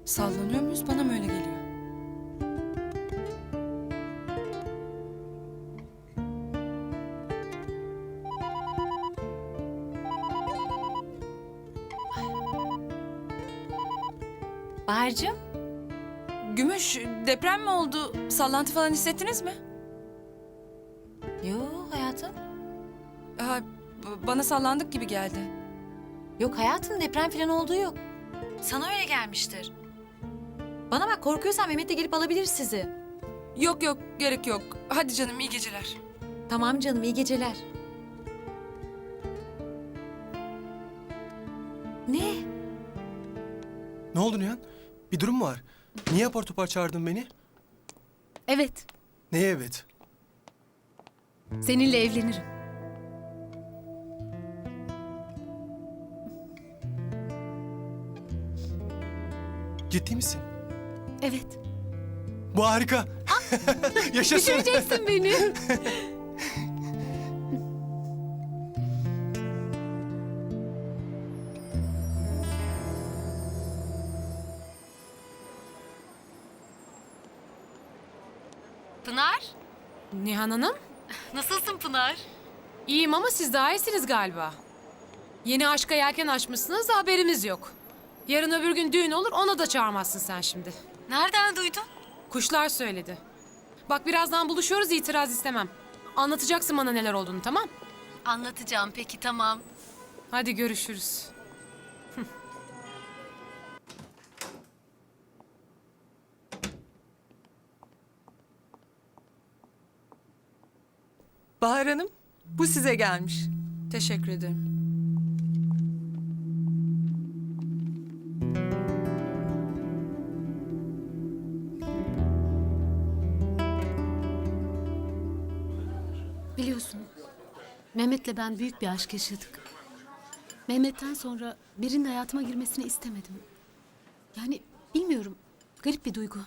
Sallanıyor muyuz? Bana mı öyle geliyor? Bahar'cığım. Gümüş, deprem mi oldu? Sallantı falan hissettiniz mi? Yo hayatım. Ha, bana sallandık gibi geldi. Yok hayatım, deprem falan olduğu yok. Sana öyle gelmiştir. Bana bak, korkuyorsan Mehmet de gelip alabilir sizi. Yok yok, gerek yok. Hadi canım, iyi geceler. Tamam canım, iyi geceler. Ne? Ne oldu Nihan? Bir durum mu var? Niye apar topar çağırdın beni? Evet, Neye evet? seninle evlenirim. Ciddi misin? Evet. Bu harika. Yaşasın. Düşüreceksin beni. Pınar, Nihan Hanım, nasılsın Pınar? iyiyim ama siz daha iyisiniz galiba. Yeni aşka yelken açmışsınız da haberimiz yok. Yarın öbür gün düğün olur, ona da çağırmazsın sen şimdi. Nereden duydun? Kuşlar söyledi. Bak birazdan buluşuyoruz, itiraz istemem. Anlatacaksın bana neler olduğunu, tamam? Anlatacağım peki, tamam. Hadi görüşürüz. Bahar Hanım, bu size gelmiş. Teşekkür ederim. Biliyorsun, Mehmet'le ben büyük bir aşk yaşadık. Mehmet'ten sonra birinin hayatıma girmesini istemedim. Yani bilmiyorum, garip bir duygu.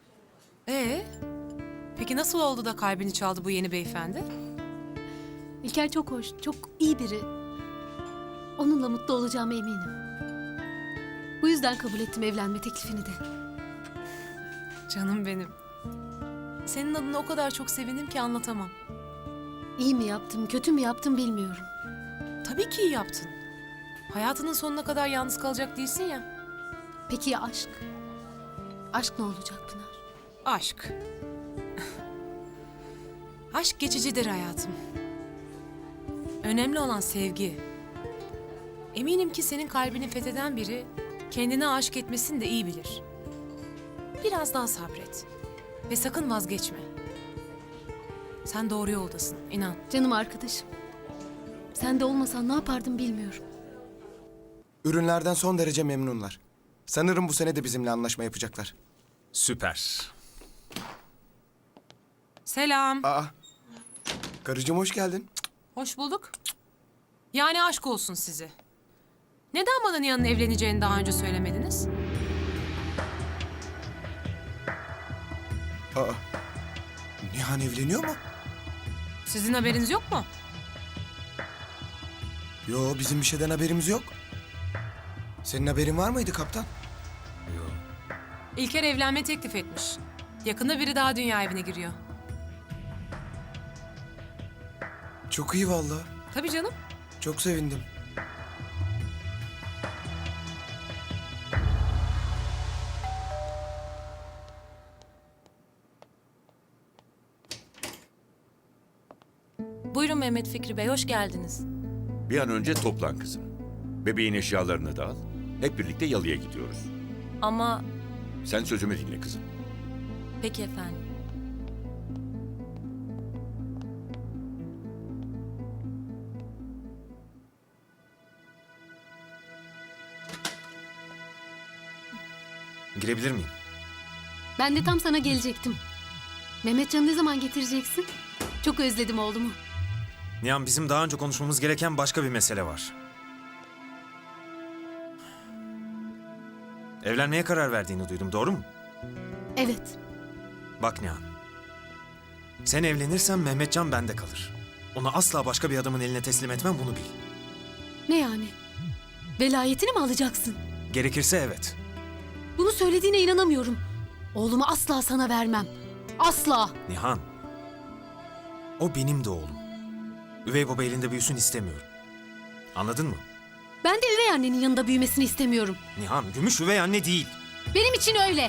Peki nasıl oldu da kalbini çaldı bu yeni beyefendi? İlker çok hoş, çok iyi biri. Onunla mutlu olacağıma eminim. Bu yüzden kabul ettim evlenme teklifini de. Canım benim. Senin adına o kadar çok sevindim ki anlatamam. İyi mi yaptım, kötü mü yaptım bilmiyorum. Tabii ki iyi yaptın. Hayatının sonuna kadar yalnız kalacak değilsin ya. Peki ya aşk? Aşk ne olacak Pınar? Aşk. Aşk geçicidir hayatım. Önemli olan sevgi. Eminim ki senin kalbini fetheden biri kendine aşık etmesini de iyi bilir. Biraz daha sabret. Ve sakın vazgeçme. Sen doğru yoldasın, inan. Canım arkadaşım. Sen de olmasan ne yapardım bilmiyorum. Ürünlerden son derece memnunlar. Sanırım bu sene de bizimle anlaşma yapacaklar. Süper. Selam. Aa. Karıcığım hoş geldin. Hoş bulduk. Yani aşk olsun size. Neden bana Nihan'ın evleneceğini daha önce söylemediniz? Aa. Nihan evleniyor mu? Sizin haberiniz yok mu? Yo, bizim bir şeyden haberimiz yok. Senin haberin var mıydı kaptan? İlker evlenme teklif etmiş. Yakında biri daha dünya evine giriyor. Çok iyi vallahi. Tabii canım. Çok sevindim. Buyurun Mehmet Fikri Bey, hoş geldiniz. Bir an önce toplan kızım. Bebeğin eşyalarını da al. Hep birlikte yalıya gidiyoruz. Ama Sen sözümü dinle kızım. peki efendim. Girebilir miyim? Ben de tam sana gelecektim. Mehmetcan'ı ne zaman getireceksin? Çok özledim oğlumu. Nihan, bizim daha önce konuşmamız gereken başka bir mesele var. Evlenmeye karar verdiğini duydum, doğru mu? Evet. Bak Nihan. Sen evlenirsen Mehmetcan bende kalır. Onu asla başka bir adamın eline teslim etmem, bunu bil. Ne yani? Velayetini mi alacaksın? Gerekirse evet. Bunu söylediğine inanamıyorum. Oğlumu asla sana vermem. Asla. Nihan. O benim de oğlum. Üvey baba elinde büyüsün istemiyorum. Anladın mı? Ben de üvey annenin yanında büyümesini istemiyorum. Nihan, Gümüş üvey anne değil. Benim için öyle.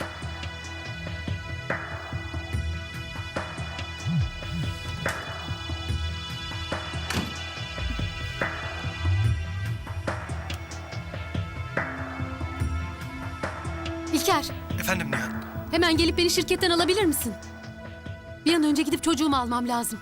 İlker, Efendim Nihan. hemen gelip beni şirketten alabilir misin? Bir an önce gidip çocuğumu almam lazım.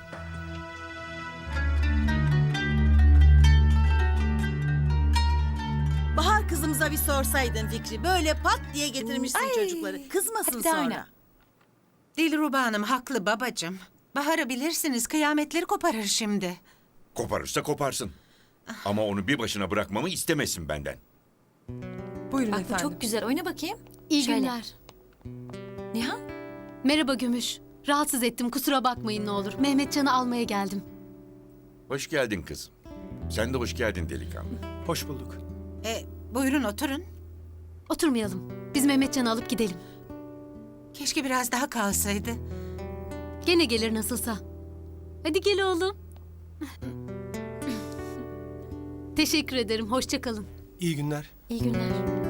Bahar kızımıza bir sorsaydın Fikri. Böyle pat diye getirmişsin çocukları. Kızmasın hadi daha sonra. oyna. Dilruba Hanım haklı babacığım. Bahar'ı bilirsiniz kıyametleri koparır şimdi. Koparırsa koparsın. Ama onu bir başına bırakmamı istemesin benden. Buyurun Bak bu çok güzel. Oyna bakayım. İyi Şöyle. günler. Nihan. Merhaba Gümüş. Rahatsız ettim, kusura bakmayın ne olur. Mehmetcan'ı almaya geldim. Hoş geldin kızım. Sen de hoş geldin delikanlı. Hoş bulduk. Buyurun oturun. Oturmayalım. Biz Mehmetcan'ı alıp gidelim. Keşke biraz daha kalsaydı. Gene gelir nasılsa. Hadi gel oğlum. Teşekkür ederim. Hoşça kalın. İyi günler. İyi günler.